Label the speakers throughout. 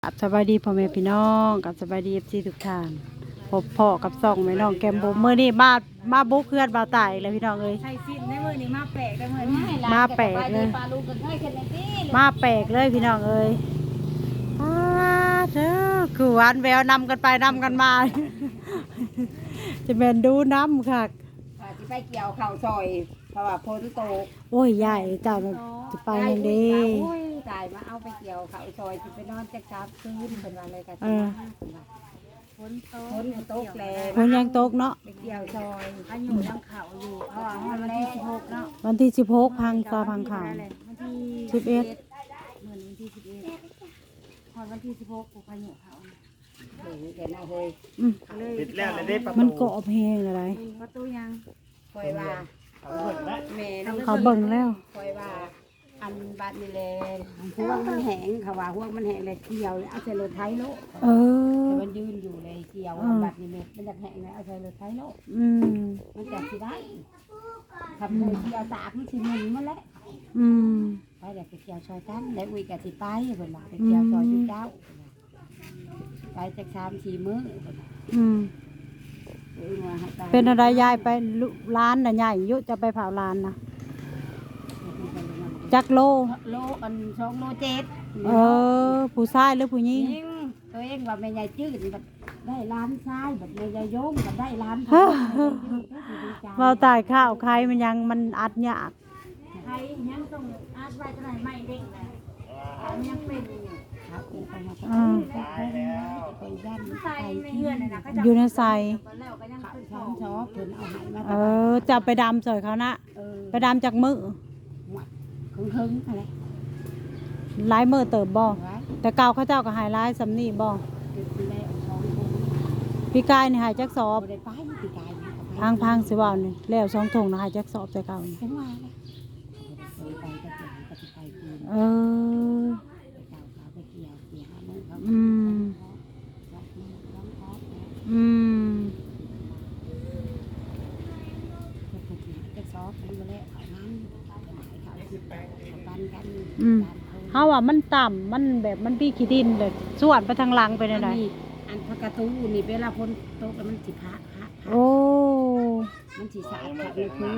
Speaker 1: กับสบายดีพ่อแม่พี่น้องกับสบายดีFCทุกท่านพบพ่อกับส่องแม่น้องแกมบุเมื่อนี้มาบุกเพื่อนบ่าวตายเลยพี่น้องเอ้ย
Speaker 2: ใช่สิ้นในมือนี่มาแปลกได้เหมือนไม่
Speaker 1: มาแปลกเลยมาแปลกเลยพี่น้องเอ้ยเด้อคือหวานแววนำกันไปนำกันมา จะเป็นดูน้ำค่ะ
Speaker 2: ที่ไปเกี่ยวเข่าซอยเพราะว่าพ้นโต
Speaker 1: โอ้ยใหญ่เจ้าจะไปยังดี
Speaker 2: ตายมาเอาไปเกี่ยวเข่าซอยที่ไปนอนจะกลับคืนเป็นวันอะไรกันพ้นโตกแล้ว
Speaker 1: คนยังตกเนาะ
Speaker 2: ไปเกี่ยวซอยอันอยู่ยังเข่าอยู่เพราะว่าวันที่16เนาะ
Speaker 1: วันที่16พังซอพังข่าว11
Speaker 2: เหมือนวันที่11พอวันที่16กูพายุเขาเห็นเอาเลย
Speaker 3: ปิดแล้วเลยได้ประตู
Speaker 1: มันเกาะเพลงอะไร
Speaker 2: ประตูยังคอยว่าแม่
Speaker 1: เขาเบิ่งแล้ว
Speaker 2: คอยว่าอันบาดนี่แหละห่วงมันแห้งเขาว่าห่วงมันแห้งเลยเกี่ยวเอาใส่รถไถโลแต่มันยืนอยู่เลยเกี่ยวบาดนี่มันจะแห้งเลยเอาใส่รถไถโลมันจะสิได้ทำเลยเกี่ยวตากมันสิมึนมาแล้วไปเดี๋ยวไปเกี่ยวซอยกันแล้วอุ้ยกะสิไปเพิ่นว่าไปเกี่ยวซอยเจ้าไปจาก3-4 มื้อ
Speaker 1: เป็นอะไรยายไปร้านน่ะยายยุจะไปเผาร้านนะจักโล
Speaker 2: อัน2 โล 7
Speaker 1: ผู้ชายหรือผู้หญิง
Speaker 2: ตัวเองว่าแม่ยายจืดบัดได้ร้านชายบัดแม่ยายโยงบัดได้ร้าน
Speaker 1: เราตายข้าวใครมันยังมันอัดยาก
Speaker 2: ใครยังต้องอัดไว้เท่าไหร่ไม่เด้งเลยยังเป็น
Speaker 1: อยู่ในใส่จะไปดำสวยเขานะไปดำจากมือ
Speaker 2: อะไร
Speaker 1: ลายมือเติบบ่แต่เก่าเขาเจ้าก็หายลายสำนีบ่พี่กายนี่หายจักสอบพังสิว่านี่แล้ว2 ถุงนะหายจักสอบแต่เก่าเขาว่ามันต่ำมันแบบมันพี่ขี้ดินเลยส่วนไปทางหลังไปไหน
Speaker 2: อันพกระตูนี่เวลาพ้นโต๊ะแล้วมันสิพะ
Speaker 1: โอ้
Speaker 2: มันสิสะอาดเลยคือ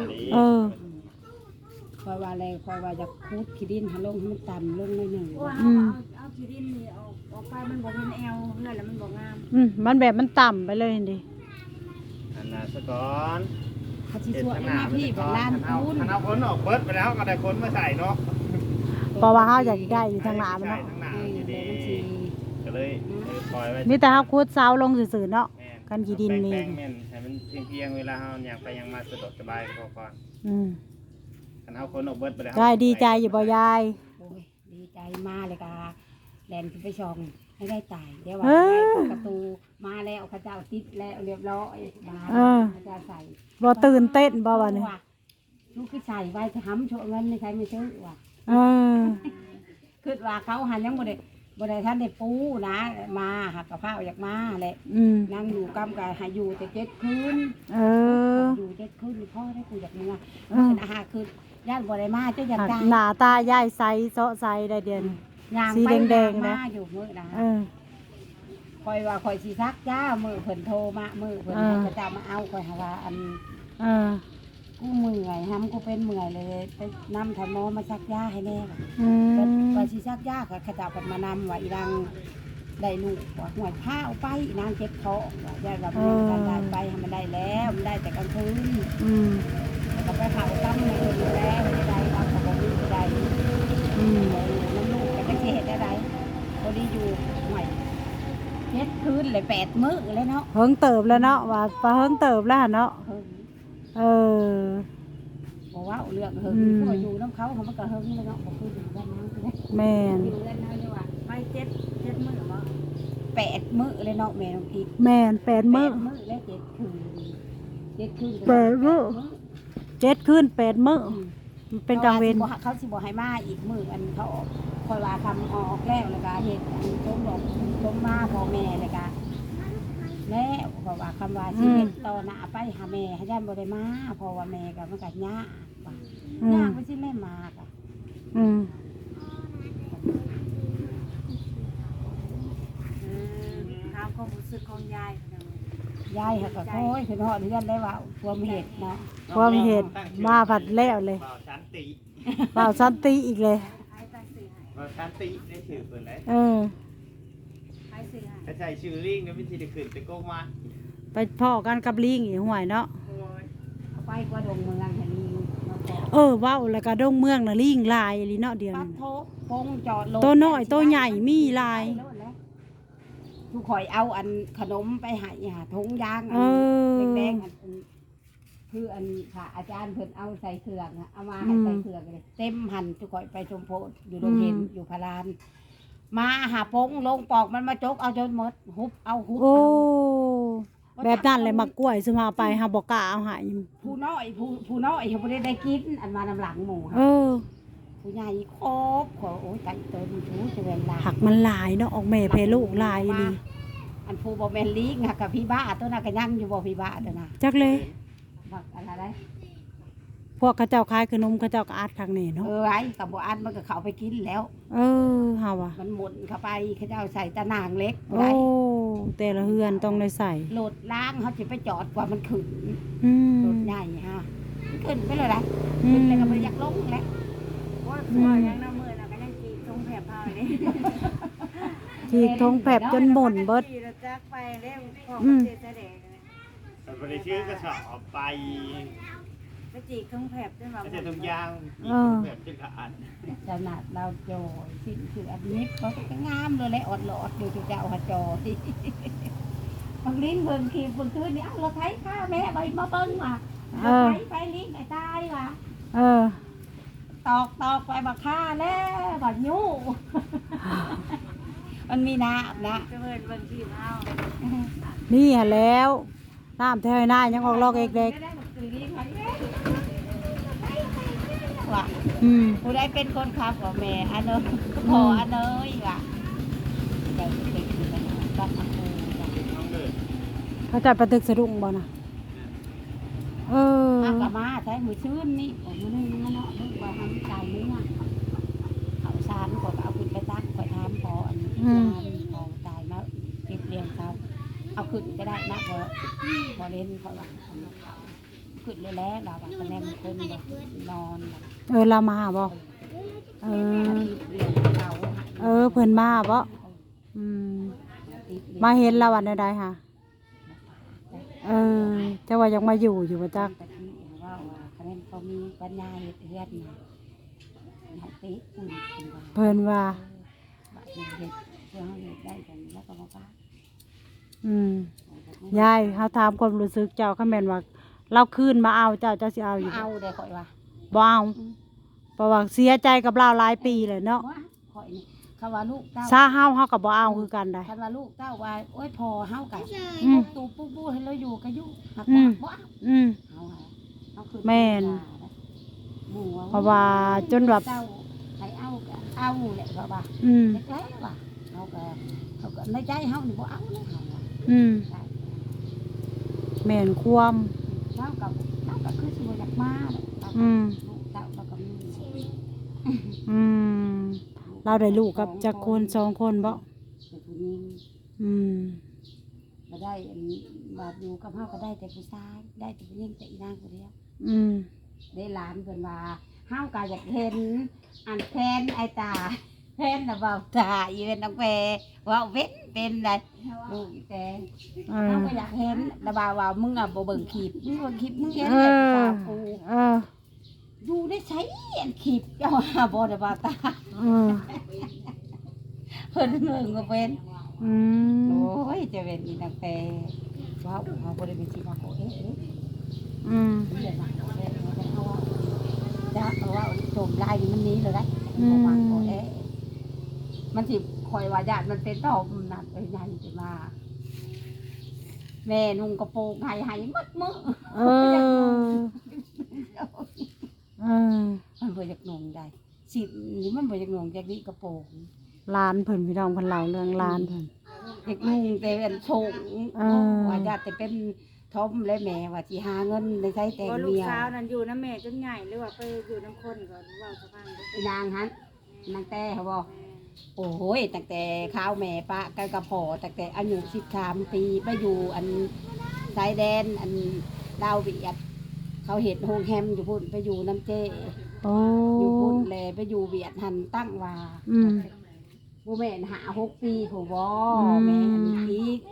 Speaker 2: คอยว่าอะไรคอยว่าจะคูดขี้ดินให้ลงให้มันต่ำลงหน่อยหนึ่งเอาขี้ดินนี่ออกไปมันบอกเป็นแอลเพื่อนแล้วมันบอกงาม
Speaker 1: มันแบบมันต่ำไปเลยดิ
Speaker 3: อันนั้นซะก่อน
Speaker 2: เขาชี้สวยมาพี่แบบล้านคูณ
Speaker 3: เอาคนออกเบิดไปแล้วก็ได้คนมาใส่เนาะ
Speaker 1: เพราะว่าเขาอยากได้อยู่ทางหน้ามันเนาะ
Speaker 3: ก็เลยปล่อยไว้
Speaker 1: มีแต่เขาคูดเสาลงสื่อๆเนาะกันขี้ดินมี
Speaker 3: ให้มันเพียงเวลาเขาอยากไปยังมาสะดวกสบายพอก่อนกันเอาคนออกเบิดไปแล้ว
Speaker 1: ยายดีใจอยู่บ่ยาย
Speaker 2: ดีใจมากเลยกาแลนไปชองให้ได้ตายเดี๋ยวว่าประตูมาแล้วข้าเจ้าติดแล้วเรียบร้อยมาข้าเจ้าใส่
Speaker 1: บ่ตื่นเต้นบ่วะเนี่ย
Speaker 2: ลูกคือใส่ไว้ทำโชว์เงินในใครไม่ซื้อว่ะคือว่าเขาหันยังบ่ได้ท่านได้ปูนะมาหักกระเพราอยากมาแหละนั่งอยู่กำกับหาอยู่แต่7 คืนอยู่7 คืนพ่อได้กูอยากมาเป็นอาหารคือญาติบ่ได้มาเจ้าอยากได้
Speaker 1: หน้าตายายใสเซาะใสได้เดือนสีแดงๆนะ
Speaker 2: อยู่มื้อนะคอยว่าคอยสิซักจ้ามือเพิ่นโทรมามือเพิ่นเขาจะมาเอาคอยหาว่าอันกูเมื่อยทำกูเป็นเมื่อยเลยไปนำถมอมาซักยาให้แน่ไปสิซักยาค่ะขจับกันมานำว่าอีรังได้ลูกว่าหัวผ้าเอาไปนางเจ็บท้องว่าญาติว่ามันได้ไปมันได้แล้วมันได้แต่กลางคืนแล้วก็ไปเผาตั้มในอื่นแล้วไม่ได้ทำกับลูกไม่ได้น้ำลูกก็จะเหตุได้พอดีอยู่ห่วย7 คืนเลย8 มื้อเลยเนาะ
Speaker 1: เฮิงเติบแล้วเนาะว่าปลาเฮิงเติบแล้วเนาะ
Speaker 2: บอกว่าเรื่องเฮิงพวกอยู่น้ำเขามันก็เฮิงเลยเนาะบอกคืออยู่ด้านนั้น
Speaker 1: แม่
Speaker 2: อยู่ด้านนั้นเลยว่าไป7 มื้อมั้ง8 มื้อเลยเนาะแม่น้องพี
Speaker 1: แม่น8 มื้อ
Speaker 2: และ7 คืน7 คืน
Speaker 1: 8 มื้อ7 คืน 8 มื้อเป็นกลางเวร
Speaker 2: เขาสิบอกให้มาอีกมื้ออันเขาออกคอยว่าทำออกแล้วเลยก็เห็นต้มบอกต้มมาพ่อแม่เลยก็แล้วเพราะว่าคำว่าชีวิตต่อหน้าไปหาแม่ให้ย่านบ่ได้มาเพราะว่าแม่กับมันก็ยากว่ายากไม่ใช่แม่มาก
Speaker 4: ความรู้สึกของยายเนาะ
Speaker 2: ยายเขาก็โอ้ยคือฮอดเฮือนได้ว่าความเห็ดเนาะ
Speaker 1: ความเห็นมาผัดแล้วเลย
Speaker 3: เบาชันติ
Speaker 1: เปล่าสันติอีกเลย
Speaker 4: ให้ตั้งสื่อให้
Speaker 3: เบาชันติได้ชื่อเพิ่นเลย
Speaker 1: เออ
Speaker 4: ให้สื่อให้
Speaker 3: ถ้าใช้ชื่อลิงเนี่ยไม่ใช่ได้ขึ้นไปโกงมา
Speaker 1: ไปพ่อกันกับลิงอีกห่วยเนาะ
Speaker 2: เอาไปกว่าดงเมืองให้ลิงมาขอ
Speaker 1: เออเว้าแล้วก็ดงเมืองน่ะลิงลายอีหลีเนาะเดียว
Speaker 2: ปั
Speaker 1: นี้
Speaker 2: ดโทปงจอดรถ
Speaker 1: ตัวน้อยตัวใหญ่มีลาย
Speaker 2: ทุกข่อยเอาอันขนมไปให้หาถุงยาง
Speaker 1: เออ
Speaker 2: แดงๆอันคืออันค่ะอาจารย์เพิ่นเอาใส่เครื่องอะเอามาให้ใส่เครื่องเลยเต็มหันทุกข่อยไปชมโพธิ์อยู่โรงเรียนอยู่พาราน มาหาปงลงปอกมันมาจกเอาจนหมดหุบเอาหุบ
Speaker 1: โอ้
Speaker 2: เอา
Speaker 1: แบบนั้นเลยมักกล้วยซุมาไปหาบ่กล้าเอาให้
Speaker 2: ผู้น้อยผู้น้อยเขาบ่ได้กินอันมานำหลังหมู่
Speaker 1: เอ
Speaker 2: ค่ะ
Speaker 1: อ
Speaker 2: ผู้ใหญ่ครบขอโอ้ยใจเติมชูจะเวลา
Speaker 1: หักมันหลายเนาะออกแม่เพลูกหลายอีหลี
Speaker 2: อันผู้บ่แม่นลิงค่ะกับพี่บ้าตัวน่ะก็ยังอยู่บ่พี่บ้าตัวน่ะ
Speaker 1: จักเลย
Speaker 2: บักอะไรได้
Speaker 1: พวกเขาเจ้าขายขนมเขาเจ้าก็อัดข้างนี้เนาะ
Speaker 2: ไอ้กับบ่อันมันก็เข้าไปกินแล้ว
Speaker 1: เออเฮาว่ะ
Speaker 2: มันหมุนเข้าไปเขาเจ้าใส่ตะนางเล็ก
Speaker 1: โอ้
Speaker 2: ไว้
Speaker 1: แต่ละเฮือนต้องได้ใส่
Speaker 2: โหลดล้างเขาสิไปจอดกว่ามันขึ้น
Speaker 1: อืม
Speaker 2: โหลดใหญ่ฮะมันขึ้นไปเลยนะ
Speaker 1: อื
Speaker 2: ขึ้น
Speaker 1: ม
Speaker 2: เลยก็บ่อยากลงแล้ว
Speaker 4: ว่าตัวยังน้ำมือน่ะก็ยังจีตรงแผลเผาเลย
Speaker 1: ที่ทงแผบจนหม่นเบิด
Speaker 4: ขี่รถจักรไปแล้วของ
Speaker 1: อืม
Speaker 4: เจ๊แสดงเลย
Speaker 3: แต่บริชื่อกระสอบไป
Speaker 4: ไปจีตรงแผลจนแบบ
Speaker 3: ไม่ใช่ทุกอย่างอีกแบบจะกระอัน
Speaker 2: ขนาดเราโจยสิ้นคืออันนี้เขาก็งามเลยแหละอดหลอดอยู่ที่เจ้าหัวจอยบางลิ้นเบิ่งขีดเบิ่งคืนนี่เอ้าเราไถข้าแม่ไปมาเบิ่งมาเราไถไปลิ้นไอ้ตายว่ะ
Speaker 1: เออ
Speaker 2: ตอกไปบักฆ่าแล้วบักยูมันมีน้ำนะ
Speaker 4: จะเพิ่นเบิ่งที่เฮา
Speaker 1: นี่หะแล้วน้ำแถวหน้ายังออกลอกเด็ก
Speaker 2: ว่ะ
Speaker 1: ๆอืม
Speaker 2: ผู้ใดเป็นคนขับกับแม่อันเนยพออันเนยว่ะใจเด็กๆกันบ้านอันเนยว่ะ
Speaker 3: น้องเดิน
Speaker 1: เขาจะประตึกสะดุ้งบ่นะเออ
Speaker 2: มากะมาใช้มือชื้นนี่ผมมือนึงเนาะนึกว่าทำใจเนื้อเขาซานก็เอาขึ้นไปตักไปทำพออันนี้พอตายมาเก็บเรียงเขาเอาขึ้นก็ได้นะพอเล่นเขาว่าขึ้นเลยแล้วเราว่าคะแนนคนแบบนอน
Speaker 1: เออเรามาบ่เออ
Speaker 2: เรียงเขา
Speaker 1: เออเพิ่นมาบ่อืมมาเห็นเราวันใดๆค่ะเออเจ้าว่ายังมาอยู่อยู่บ่จัก
Speaker 2: ตะกี้ว่าคะแนนเขามีปัญญาเฮ็ดเฮือนนะให้ติอุ่นเป็นว่า
Speaker 1: เพิ่นว่า
Speaker 2: บาดนี้เฮ็ดเพื่อให้เฮ็ดได้กันแล้วก็มาป้า
Speaker 1: อืมยายเฮาถามความรู้สึกเจ้าคันแม่นว่าเราคืนมาเอาเจ้าสิเอาอยู่บ่
Speaker 2: เอาได้ข่อยว่า
Speaker 1: บ่เอาเพราะว่าเสียใจกับเราหลายปีเลยเนาะ
Speaker 2: ว่าข่อยนี่คำว่าลูกเต้า
Speaker 1: ซาเฮาก็บ่เอาคือกันได้
Speaker 2: คำว่าลูกเต้าว่าโอ้ยพอเฮากัน
Speaker 1: อืม
Speaker 2: ตูปูให้เราอยู่ก็อยู่หัก
Speaker 1: อืม
Speaker 2: บ่เอา
Speaker 1: อืม
Speaker 2: เอาเอาคือ
Speaker 1: แม่น
Speaker 2: หมู่
Speaker 1: เพราะว่าจนแบบ
Speaker 2: เต้าให้เอาก็เอาแหละเพราะว่า
Speaker 1: อืม
Speaker 2: เล็กๆว่ะเขาก็ในใจเฮานี่บ่เอาเลยเฮาว่า
Speaker 1: อืม
Speaker 2: ได้
Speaker 1: แม่นความ
Speaker 2: เราก็คือสิบ่อยากมาเนาะเราก็
Speaker 1: อืม
Speaker 2: ลูกเต้าเราก็มี
Speaker 1: อืมเราได้ลูกกับจักคนสองคนบ่
Speaker 2: เป็นผู้หญิง
Speaker 1: อืม
Speaker 2: ก็ได้อันบาดอยู่กับเฮาก็ได้แต่ผู้ชายได้แต่ผู้หญิงแต่อีนางผู้เดียว
Speaker 1: อืม
Speaker 2: ได้หลานเพิ่นว่าเฮาก็อยากเห็นอันแทนไอ้ตาแทนน่ะเว้าตาอีเวนน้องแพรเว้าเว้นเป็นได้ลูกอีแต่
Speaker 1: เอ
Speaker 2: เฮา
Speaker 1: อ
Speaker 2: ก็อยากเห็นแล้วว่ามึงอ่ะบ่เบิ่งคลิปมึงเบิ่งคลิปมึงเห็น
Speaker 1: เอ
Speaker 2: เลย
Speaker 1: อ
Speaker 2: ตากู
Speaker 1: เออ
Speaker 2: อยู่ได้ใช้อันคลิปเจ้าว่าบ่ได้ว่าตา
Speaker 1: เออ
Speaker 2: เพิ่นเบิ่งก็เป็น
Speaker 1: อื
Speaker 2: โอ
Speaker 1: ม้
Speaker 2: ยจะเป็นอีนางแพรว้าวเฮาบ่ได้เป็นสิว่าโอ้เอ๊ะ
Speaker 1: อืม
Speaker 2: เดี๋ยวมาเอาแล้วเอาว่าจะเอาว่าโจมลายนี่มันหนี้เลยได้บ่ว่าโอ้เอ๊ะมันสิคอยว่าญาติมันเป็นตอบนั่นเอ้ยใหญ่สิมาแม่นุ่งกระโปรงให้หมดมื้อ
Speaker 1: เออเออ
Speaker 2: มันบ่อยากนุ่งได้สินี่มันบ่อยากนุ่งจากนี้กระโปรง
Speaker 1: หลานเพิ่นพี่น้องเพิ่นเล่าเรื่องหลานเพิ่น
Speaker 2: อยากนุ่งแต่เป็นโชง
Speaker 1: เออ
Speaker 2: ว่าญาติจะเป็นทอมและแม่ว่าสิหาเงินได้ใช้แต่ง
Speaker 4: ว่าลูก
Speaker 2: เมีย
Speaker 4: สาวนั้นอยู่น้ำแม่จนใหญ่หรือว่าไปอยู่น้ำคนก่อนเว่าสะพัง
Speaker 2: นางหันนางแต่เขาบอกโอ้โหตั้งแต่ข้าวแม่ปะกันกระพอตั้งแต่อายุ13 ปีไปอยู่อันชายแดนอันลาวเวียดเขาเห็ดโฮงแฮมอยู่พุ่นไปอยู่น้ำเจ
Speaker 1: โอ้
Speaker 2: อยู่พุ่นแลไปอยู่เวียดหันตั้งว่า
Speaker 1: อืม
Speaker 2: บ่แม่น5-6 ปีผู้บ่
Speaker 1: อืม
Speaker 2: แม่นอีก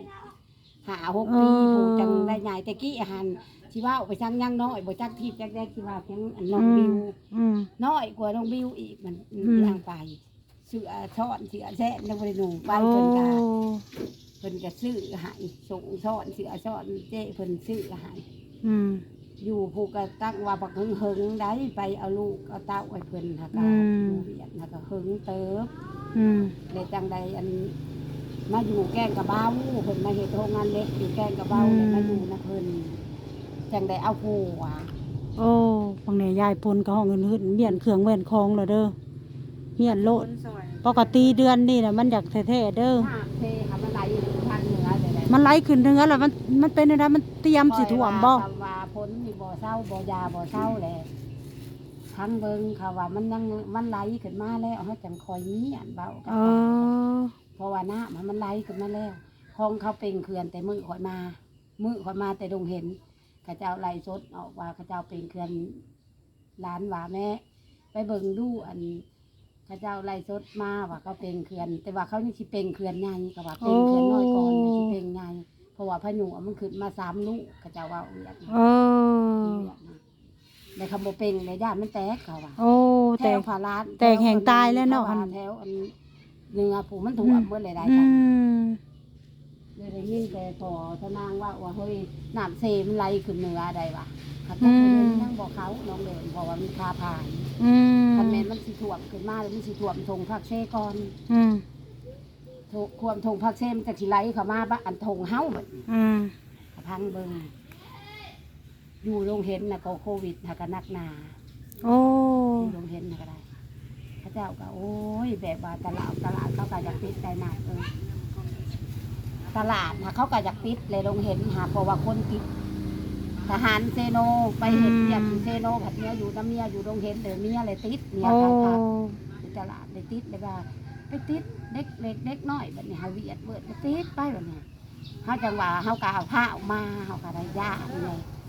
Speaker 2: 5-6 ปีผู้จังได้ใหญ่แต่กี้หันสิว่าเอาไปสั่งยังน้อยบ่จักทิพย์จักได้สิว่าเพียงอันน้องบิว
Speaker 1: อืม
Speaker 2: น้อยกว่าน้องบิวอีกมัน
Speaker 1: อืม
Speaker 2: ทางไปเสื้อช้อนเสื้อแซ่นยังบ่ได้นุ่งไปเพิ่นก็ซื้อให้ส่งช้อนเสื้อช้อนเจ้เพิ่นซื้อให้
Speaker 1: อืม
Speaker 2: อยู่ผู้ก็ตั้งว่าบักหึงๆได้ไปเอาลูกเอาเต้าไว้เพิ่นหากา
Speaker 1: อืม
Speaker 2: อยู่เวียดหากาหึงเติบ
Speaker 1: อืม
Speaker 2: เลยจังใดอันมาอยู่แกล้งกระเบ้าเพิ่นมาเฮ็ดโรงงานเล็กอยู่แกล้งกระเบ้าเลยมาอยู่นะเพิ่นจังใดเอาผัว
Speaker 1: โอ้บางเนี่ยยายปนกับห้องอื่นๆเมียนเครื่องแว่นคองแล้วเด้อเมียนโลด
Speaker 4: คนสวย
Speaker 1: ปกติเดือนนี่น่ะมันอยากแท้ๆเด้อ
Speaker 2: ถ้าเทหามันไหลอยู่ทางเหนือเลยแหละ
Speaker 1: มันไหลขึ้นเนื้อแล้วมันเป็นอะไรมันเตรียมสิท่วมบ่
Speaker 2: คอยว่าพ้นนี่บ่เศร้าบ่ยาบ่เศร้าแหละทั้งเบิ่งเขาว่ามันยังมันไหลขึ้นมาแล้วเฮาจังคอยนี้อันเบากับ
Speaker 1: เอ
Speaker 2: ปาก
Speaker 1: อ
Speaker 2: เพราะว่าน้ามันไหลขึ้นมาแล้วห้องเขาเป็นเขื่อนแต่มือข่อยมาแต่ดงเห็นเขาเจ้าไล่สดออกว่าเขาเจ้าเป็นเขื่อนล้านว่าแม่ไปเบิ่งดูอันเขาเจ้าไล่สดมาว่าเขาเป็นเขื่อน แต่ว่าเขานี่สิเป็นเขื่อนใหญ่ก็ว่าเป็นเขื่อนน้อยก่อนสิเป็นใหญ่เพราะว่าพายุมันขึ้นมา3 ลูกเขาเจ้าว่าเวียด
Speaker 1: เออ
Speaker 2: ในคำบ่เป็นในย่านมันแตกเขาว่า
Speaker 1: โอ้
Speaker 2: แถ
Speaker 1: แต่
Speaker 2: วผาลาน
Speaker 1: แตกแห่งตายแล้วเนาะ
Speaker 2: แถวอันเนื้อผู้มันถ่วมเมื่อไรได้
Speaker 1: อื
Speaker 2: กัน
Speaker 1: ม
Speaker 2: เลยได้ยินแต่พอทนางว่าเฮ้ยน้ำเซมันไหลขึ้นเหนือใดวะเขาจะไปเดินนั่งบอกเขาน้องเดินเพราะว่ามันคาผ่าน
Speaker 1: อืม
Speaker 2: คันแม่นมันสิถ่วมขึ้นมาเลยมันสิถ่วมทงภาคเซก่อน
Speaker 1: อืม
Speaker 2: ควมทงภาคเซมันจะสิไหลเข้ามาบ้านทงเฮาบัด
Speaker 1: อืม
Speaker 2: พังเบิ่งอยู่โรงเห็นน่ะก็โควิดน่ะก็หนักหนา
Speaker 1: โอ้
Speaker 2: อยู่โรงเห็นน่ะก็ได้พระเจ้าก็โอ้ยแบบว่าตลาดเขาก็อยากปิดใจหนักตลาดนะเขาก็อยากปิดเลยโรงเห็นหาเพราะว่าคนติดทหารเซโนไปเห็นเนี่ยเซโนผัดเมียอยู่น้ำเมียอยู่โรงเห็นเดี๋ยวเมียเลยติดเมีย
Speaker 1: โอ้
Speaker 2: ค่ะตลาดเลยติดเลยว่าไปติดเด็กเล็กเด็กน้อยแบบนี้หาเวียดเบิดไปติดไปแบบนี้เขาจังหวะเขากเอาผ้าออกมาเขาก็ได้ยาเลย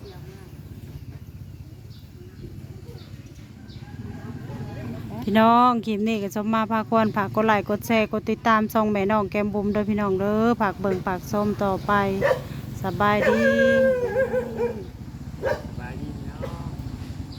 Speaker 1: พี่น้องคลิปนี้ก็สมมาพาควรฝากกดไลค์กดแชร์กดติดตามช่องแม่น้องแก้มบุ๋มเด้อพี่น้องเด้อฝากเบิ่งฝากส้มต่อไปสบายดี